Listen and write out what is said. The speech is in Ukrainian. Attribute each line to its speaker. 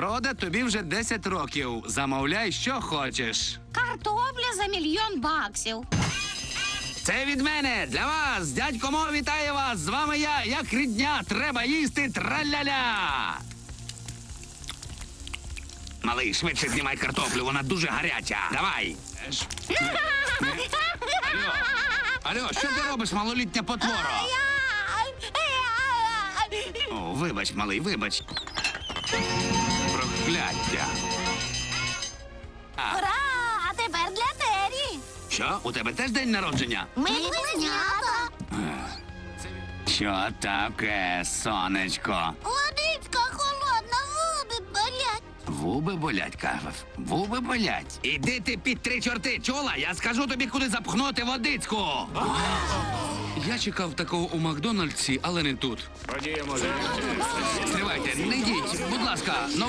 Speaker 1: Фроде, тобі вже 10 років. Замовляй, що хочеш.
Speaker 2: Картопля за $1 000 000.
Speaker 1: Це від мене, для вас. Дядько Мо вітає вас. З вами я, як рідня. Треба їсти траля-ля. Малий, швидше знімай картоплю, вона дуже гаряча. Давай. Алло, що ти робиш, малолітня потвора? О, вибач, малий, вибач. Прокляття.
Speaker 2: Ура! А тепер для Террі.
Speaker 1: Що, у тебе теж день народження?
Speaker 2: Ми близнята.
Speaker 1: Що таке, сонечко?
Speaker 2: Водичка холодна, губи болять.
Speaker 1: Вуби болять, кажеш. Вуби болять. Іди ти під 3 чорти, чула? Я скажу тобі, куди запхнути водицьку. Я чекав такого у Макдональдсі, але не тут.
Speaker 3: Ходімо.
Speaker 1: Стривайте, не йдіть, будь ласка.